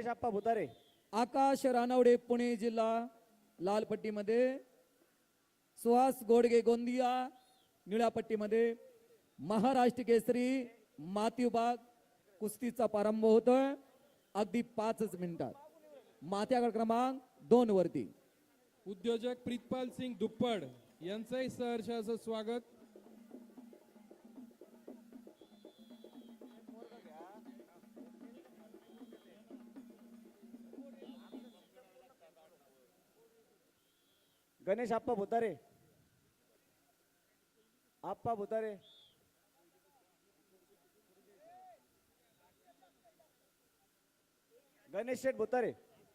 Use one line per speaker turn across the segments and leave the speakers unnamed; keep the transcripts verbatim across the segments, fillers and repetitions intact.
आप्पा भुतारे.
आकाश रानवडे पुणे जिल्हा लाल पट्टीमध्ये, सुहास गोडगे गोंदिया निळ्या पट्टीमध्ये. महाराष्ट्र केसरी माती विभाग कुस्तीचा प्रारंभ होतोय अगदी पाचच मिनिटात. माथ्यागड क्रमांक दोन वरती
उद्योजक प्रीतपाल सिंग दुप्पड यांचंही सहर्ष असं स्वागत.
गणेश आप्पा भुतारे. आप्पा भुतारे. गणेश शेठ भुतारे.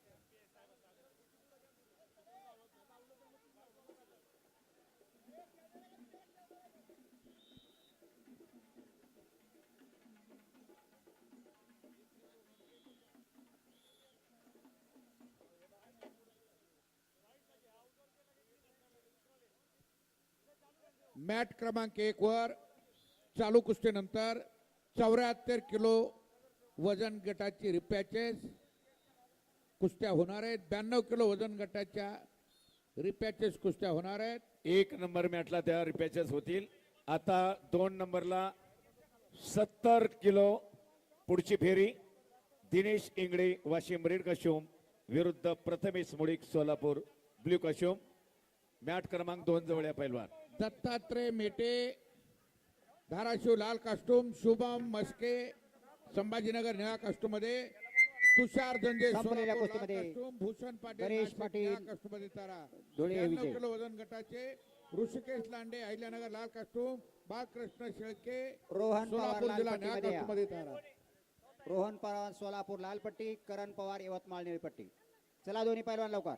मॅट क्रमांक एक वर चालू कुस्तीनंतर चौऱ्याहत्तर किलो वजन गटाची रिपॅचेस कुस्त्या होणार आहेत. ब्याण्णव किलो वजन गटाच्या रिपॅचेस कुस्त्या होणार आहेत.
एक नंबर मॅटला त्या रिपॅचेस होतील. आता दोन नंबरला सत्तर किलो पुढची फेरी दिनेश इंगळे वाशिम रेड कशोम विरुद्ध Prathamesh Mulik Solapur blue costume. Mat क्रमांक दोन जवळ या पैलवान.
दत्तात्रय मेटे धाराशिव लाल कास्टूम, शुभम मस्के संभाजीनगर निळा कास्टूम मध्ये, तुषार जंजे
संपलेल्या
सोलापूर लाल
कुस्तीमध्ये
कास्टूम, भूषण पाटील
गणेश
नाशिक
पाटील
निळा कास्टूम मध्ये तारा.
धुळे
ब्याण्णव
विजय.
किलो वजन गटाचे ऋषिकेश लांडे अहिल्यानगर लाल कास्टूम, बाळकृष्ण शेळके
रोहन पवार
सोलापूर
लाल
जिल्हा निळा
पट्टीमध्ये
कास्टूम मध्ये तारा.
रोहन पवार सोलापूर लाल पट्टी, करण पवार यवतमाळ निळी पट्टी. चला दोन्ही पैलवान लवकर.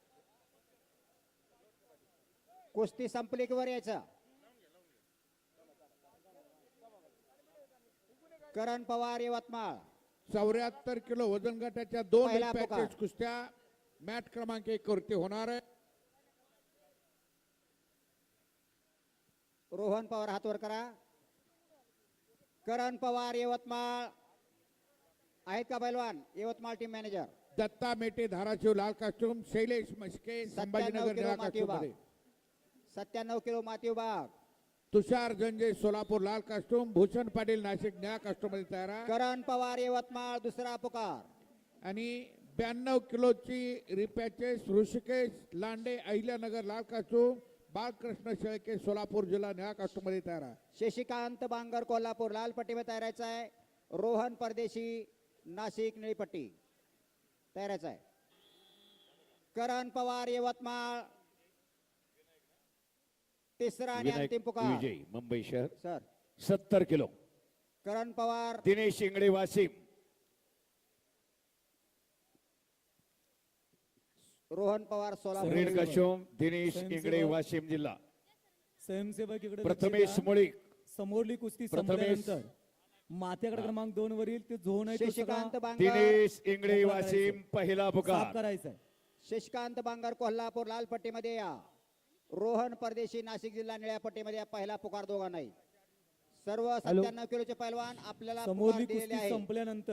कुस्ती संपली की वर यायचं. करण पवार यवतमाळ.
चौऱ्याहत्तर किलो वजन गटाच्या दोन
पहिला
पॅकेज
पुकार.
कुस्त्या मॅट क्रमांक एक वरती होणार आहे.
रोहन पवार हात वर करा. करण पवार यवतमाळ आहेत का पैलवान? Yavatmal team manager.
दत्ता मेटे धाराशिव लाल कास्टूम, शैलेश मस्के संभाजीनगर
किलो
निळा
माती
कास्टूम
विभाग.
मध्ये,
सत्त्याण्णव किलो माती विभाग.
तुषार जंजे सोलापूर लाल कास्टूम, भूषण पाटील नाशिक निळा कास्टूम मध्ये तयार आहे.
करण पवार यवतमाळ दुसरा पुकार.
आणि ब्याण्णव किलोची रिपॅचेस ऋषिकेश लांडे अहिल्यानगर लाल कास्टूम, बाळकृष्ण शेळके सोलापूर जिल्हा निळा कास्टूम मध्ये तयार आहे.
शशिकांत बांगर कोल्हापूर लाल पट्टी में तैरायचा आहे. रोहन परदेशी नाशिक निळी पट्टी तैरायचा आहे. करण पवार यवतमाळ तिसरा आणि
विनायक
अंतिम पुकार.
विजय मुंबई शहर
सर
सत्तर kilo.
Karan Pawar
Dinesh Ingle Washim.
Rohan Pawar Solapur.
Red costume Dinesh
स्वयंसेवक.
इंगळे वाशिम जिल्हा.
स्वयंसेवक इकडे
प्रथमेश
लक्ष द्या.
मुळीक.
समोरली कुस्ती
प्रथमेश.
संपल्यानंतर माथ्यागड क्रमांक दोन वरील ते झोन आहे तो
शशिकांत
सगळा
बांगर.
दिनेश इंगळे वाशिम पहिला
साफ
पुकार.
करायचा आहे.
शशिकांत बांगर कोल्हापूर लाल पट्टीमध्ये या. रोहन परदेशी नाशिक जिल्हा निळ्या पट्टीमध्ये या. पहिला पुकार दोघांनाही. सर्व सत्त्याण्णव किलोचे पैलवान आपल्याला पुकार
समोरली
दिलेले
कुस्ती
आहे.
संपल्यानंतर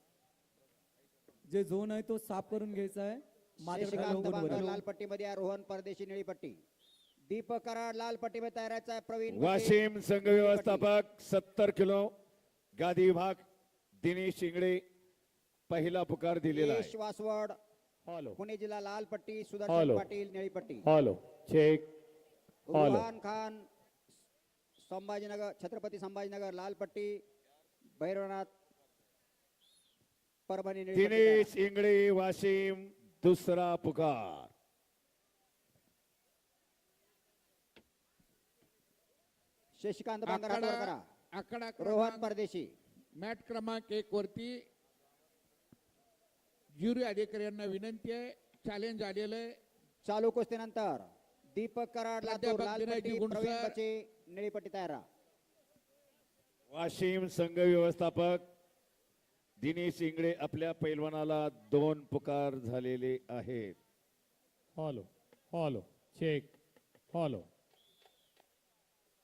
जे झोन आहे तो साफ करून घ्यायचा आहे. माथ्यागड
शशिकांत
क्रमांक दोन
बांगर
वरील.
लाल पट्टीमध्ये या. रोहन परदेशी निळी पट्टी. दीपक कराड लाल पट्टीमध्ये तयारायचा आहे. प्रवीण
वाशिम संघ व्यवस्थापक सत्तर किलो गादी विभाग दिनेश इंगळे पहिला पुकार दिलेला आहे.
यश वासवड
हॅलो
पुणे जिल्हा लाल पट्टी. सुदर्शन
हॅलो.
पाटील निळी पट्टी.
Hello check. Hello.
Ruhan Khan Sambhajinagar Chhatrapati Sambhajinagar लाल पट्टी. भैरवनाथ परभणी निळी पट्टी.
दिनेश इंगळे वाशिम दुसरा पुकार.
शशिकांत बांगर हात वर
आकडा
करा.
आकडा
रोहन
क्रमांक
परदेशी.
मॅट क्रमांक एक वरती ज्युरी अधिकारी यांना विनंती आहे. चॅलेंज आलेलं आहे.
चालू कुस्तीनंतर दीपक कराड लातूर
प्राध्यापक
लाल
दिनेशजी
पट्टी.
गुणसर.
प्रवीण बचे निळी पट्टी तयार राहा.
वाशिम संघ व्यवस्थापक दिनेश इंगळे आपल्या पैलवानाला दोन पुकार झालेले आहेत.
Hello hello check. हॅलो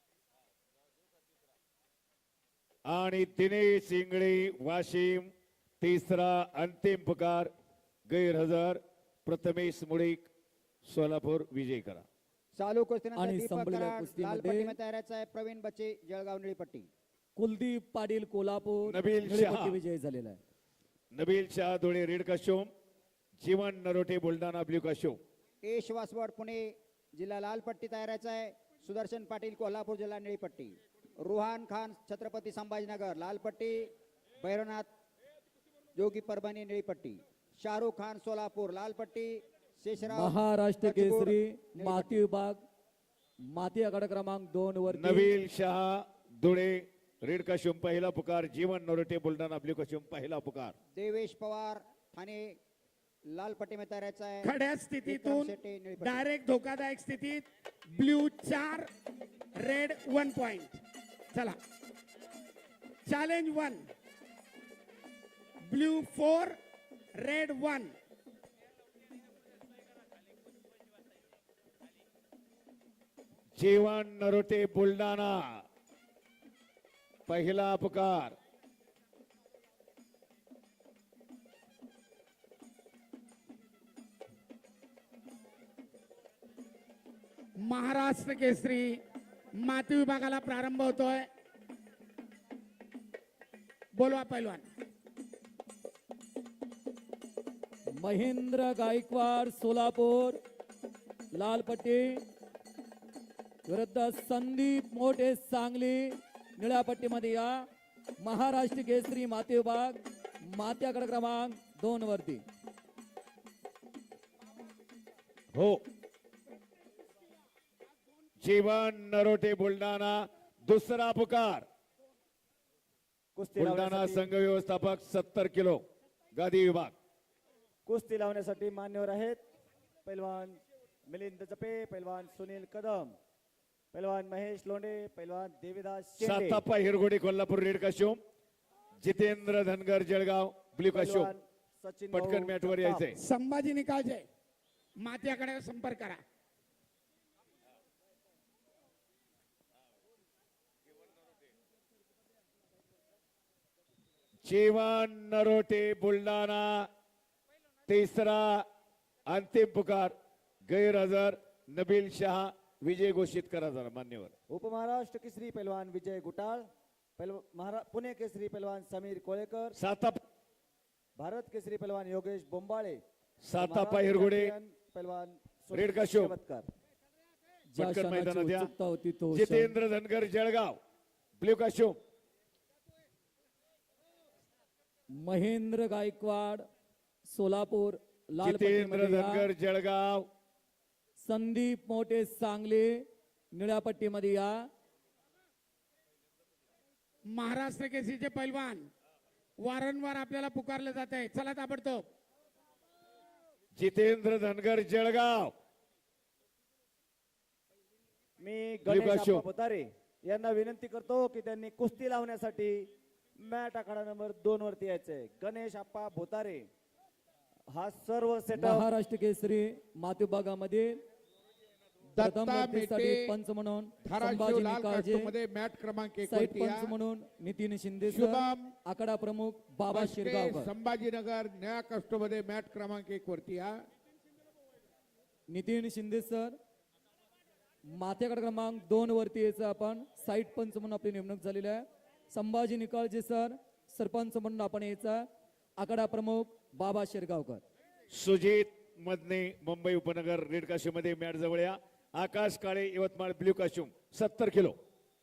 आणि दिनेश इंगळे वाशिम तिसरा अंतिम पुकार गैरहजर प्रथमेश मुळीक सोलापूर विजय करा.
चालू कुस्तीनंतर
आणि
दीपक
संपलेल्या
कराड लाल
कुस्तीमध्ये
पट्टीमध्ये तयारायचा आहे. प्रवीण बच्चे जळगाव निळी पट्टी.
कुलदीप पाटील कोल्हापूर
नबील
निळी
शहा.
पट्टी विजयी झालेला आहे.
Nabil Shah Dhule red costume, Jeevan Narote Buldhana blue costume.
एश वासवाड पुणे जिल्हा लाल पट्टी तयारायचा आहे. सुदर्शन पाटील कोल्हापूर जिल्हा निळी पट्टी. रुहान खान छत्रपती संभाजीनगर लाल पट्टी. भैरवनाथ जोगी परभणी निळी पट्टी. शाहरुख खान सोलापूर लाल पट्टी. शेषराव
महाराष्ट्र
कचबोड,
केसरी
निळी
माती
पट्टी.
विभाग माती आखाडा क्रमांक दोन वर
नबील शाह धुळे रेड काशोम पहिला पुकार, जीवन नरोटे बुलढाणा ब्ल्यू काशोम पहिला पुकार.
देवेश पवार ठाणे लाल पट्टी में तयारायचा आहे.
खड्या
विक्रम
स्थितीतून
शेट्टी निळी पट्टी.
डायरेक्ट धोकादायक स्थितीत ब्ल्यू चार रेड वन पॉइंट. चला challenge one blue four red one.
Jeevan Narote Buldhana पहिला पुकार.
महाराष्ट्र केसरी माती विभागाला प्रारंभ होतोय. बोलवा पैलवान.
महेंद्र गायकवाड सोलापूर लाल पट्टी विरुद्ध संदीप मोठे सांगली निळ्या पट्टीमध्ये या. महाराष्ट्र केसरी माती विभाग माती आखाडा क्रमांक दोन वरती.
हो, जीवन नरोटे बुलढाणा दुसरा पुकार.
कुस्ती
बुलढाणा
लावण्यासाठी
संघ व्यवस्थापक सत्तर किलो गादी विभाग.
कुस्ती लावण्यासाठी मान्यवर आहेत. पैलवान मिलिंद जपे, पैलवान सुनील कदम, पैलवान महेश लोंढे, पैलवान Devidas Shende,
Satappa Hirgodi Kolhapur red costume, Jitendra Dhangar Jalgaon blue costume.
पैलवान सचिन
पटकन
भाऊ
मॅटवर
जगताप.
यायचंय.
संभाजी निकाळजे मात्याकडे संपर्क करा.
जीवन नरोटे बुलढाणा तिसरा अंतिम पुकार गैरहजर नबील शाह विजय घोषित करा जरा मान्यवर.
उपमहाराष्ट्र केसरी पैलवान विजय गुटाळ, पैलवान महारा पुणे केसरी पैलवान समीर कोळेकर,
साताप
भारत केसरी पैलवान योगेश बोंबाळे,
सातापा
महाराष्ट्र
हिरगोडे
चॅम्पियन पैलवान
रेड काशोम.
शेवतकर.
ज्या
पटकन
क्षणाची
मैदानात या.
उत्सुकता होती तो क्षण.
Jitendra Dhangar Jalgaon blue costume.
महेंद्र गायकवाड सोलापूर लाल
जितेंद्र
पट्टीमध्ये या.
धनगर जळगाव.
संदीप मोठे सांगली निळ्या पट्टीमध्ये या.
महाराष्ट्र केसरीचे पैलवान वारंवार आपल्याला पुकारले जात आहे. चला ताबडतोब.
जितेंद्र धनगर जळगाव.
मी
ब्ल्यू
गणेश
काशोम.
आप्पा बोतारे यांना विनंती करतो की त्यांनी कुस्ती लावण्यासाठी मॅट आखाडा नंबर दोन वरती यायचंय. गणेश आप्पा बोतारे हा सर्व सेटअप
महाराष्ट्र केसरी माती विभागामध्ये प्रथम
दत्ता
बक्षीसाठी
मेटे
पंच म्हणून
धाराशिव
संभाजी
लाल
निकाळजे,
कास्टमध्ये मॅट क्रमांक एक
साईड
वरती
पंच
या.
म्हणून नितीन शिंदे सर,
शुभम
आखाडा प्रमुख बाबा
मस्के,
शिरगावकर.
संभाजीनगर निळ्या कास्टमध्ये मॅट क्रमांक एक वरती या.
नितीन शिंदे सर माथ्याकडे क्रमांक दोन वरती यायचं आपण साईड पंच म्हणून आपली नेमणूक झालेली आहे. संभाजी निकाळजे सर सरपंच म्हणून आपण यायचा. आखाडा प्रमुख बाबा शिरगावकर.
सुजित मदने मुंबई उपनगर रेड काशोम मध्ये मॅट जवळ या. आकाश काळे यवतमाळ ब्ल्यू काशोम सत्तर किलो.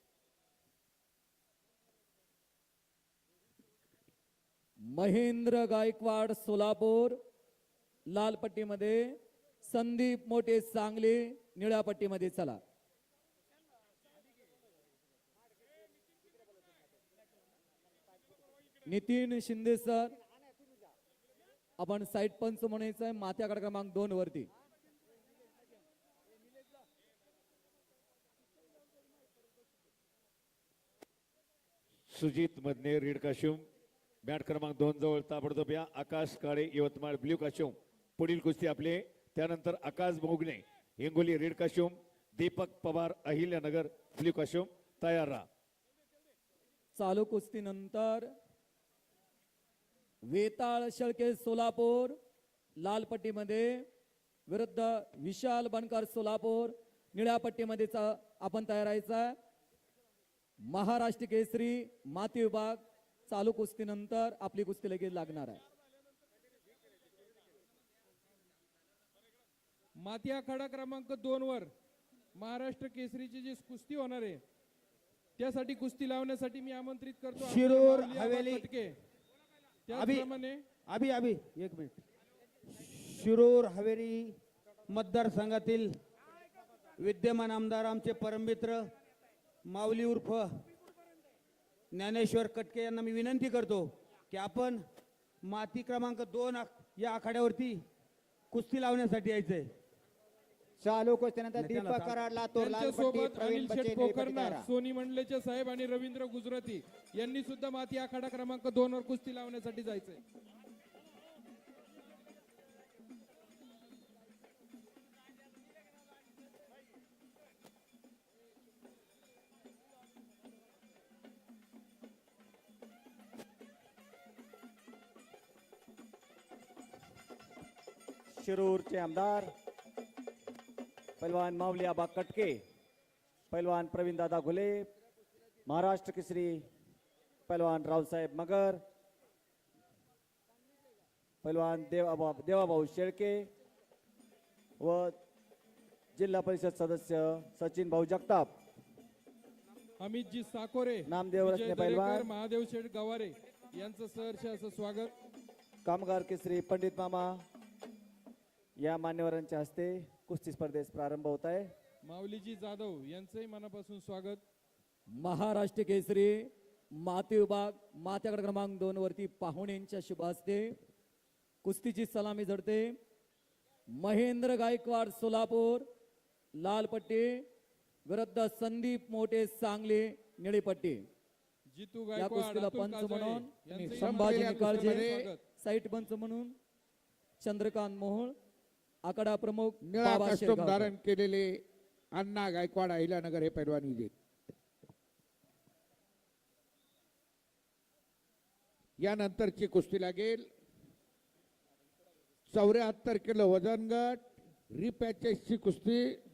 महेंद्र गायकवाड सोलापूर लाल पट्टीमध्ये, संदीप मोठे सांगली निळ्या पट्टीमध्ये. चला नितीन शिंदे सर आपण साईड पंच म्हणायचं आहे माथ्याकडे क्रमांक दोन वरती.
Sujit Madne red costume mat क्रमांक दोन जवळ ताबडतोब या. Akash Kale Yavatmal blue costume. पुढील कुस्ती आपले त्यानंतर Akash Bhogane Hingoli red costume, Deepak Pawar Ahilyanagar blue costume. तयार राहा.
चालू कुस्ती नंतर वेताळ शेळके सोलापूर लाल पट्टीमध्ये विरुद्ध विशाल बनकर सोलापूर निळ्या पट्टीमध्ये चा- आपण तयार राहायचा. महाराष्ट्र केसरी माती विभाग चालू कुस्तीनंतर आपली कुस्ती लगेच लागणार आहे.
माती आखाडा क्रमांक दोन वर महाराष्ट्र केसरीची जी कुस्ती होणार आहे त्यासाठी कुस्ती लावण्यासाठी मी आमंत्रित करतो आमचे
शिरूर
माऊली आबा
हवेली.
कटके.
अभि
त्याचप्रमाणे
अभि अभि एक मिनिट. शिरूर हवेली मतदारसंघातील विद्यमान आमदार आमचे परममित्र माऊली उर्फ ज्ञानेश्वर कटके यांना मी विनंती करतो की आपण माती क्रमांक दोन आख- या आखाड्यावरती कुस्ती लावण्यासाठी यायचंय.
चालू कुस्तीनंतर
नाही, त्याला
दीपक
चाल-
कराड लातूर लाल पट्टी
त्यांच्यासोबत
प्रवीण
अनिल
बच्चे
शेठ
निळी पट्टी
पोखरना
तयार.
सोनी मंडलेचे साहेब आणि रवींद्र गुजराती यांनी सुद्धा माती आखाडा क्रमांक दोन वर कुस्ती लावण्यासाठी जायचंय.
शिरूरचे आमदार पैलवान माऊली आबा कटके, पैलवान प्रवीण दादा घुले, महाराष्ट्र केसरी पैलवान रावसाहेब मगर, पैलवान देवा देवाभाऊ शेळके व जिल्हा परिषद सदस्य सचिन भाऊ जगताप,
अमितजी साकोरे,
नामदेव
विजय
रत्ने
दरेकर,
पैलवान,
महादेव शेठ गवारे यांचं सहर्ष असं स्वागत.
कामगार केसरी पंडित मामा या मान्यवरांच्या हस्ते कुस्ती स्पर्धेस प्रारंभ होत आहे.
माऊलीजी जाधव यांचंही मनापासून स्वागत.
महाराष्ट्र केसरी माती विभाग मात्याकडे क्रमांक दोन वरती पाहुण्यांच्या शुभ हस्ते कुस्तीची सलामी झडते. महेंद्र गायकवाड सोलापूर लाल पट्टी विरुद्ध संदीप मोठे सांगली निळी पट्टी.
जितू
या
गायकवाड,
कुस्तीला
अतुल
पंच
काजळे
म्हणून
यांचंही
संभाजी
संपलेल्या
निकाळजे,
कुस्तीमध्ये
साईट पंच म्हणून चंद्रकांत मोहोळ, आकडा प्रमुख
निळा
बाबा
कस्टम
शेरगावकर.
धारण केलेले अण्णा गायकवाड अहिल्यानगर हे पैलवान विजेत. यानंतरची कुस्ती लागेल चौऱ्याहत्तर किलो वजन गट रिपॅचेसची कुस्ती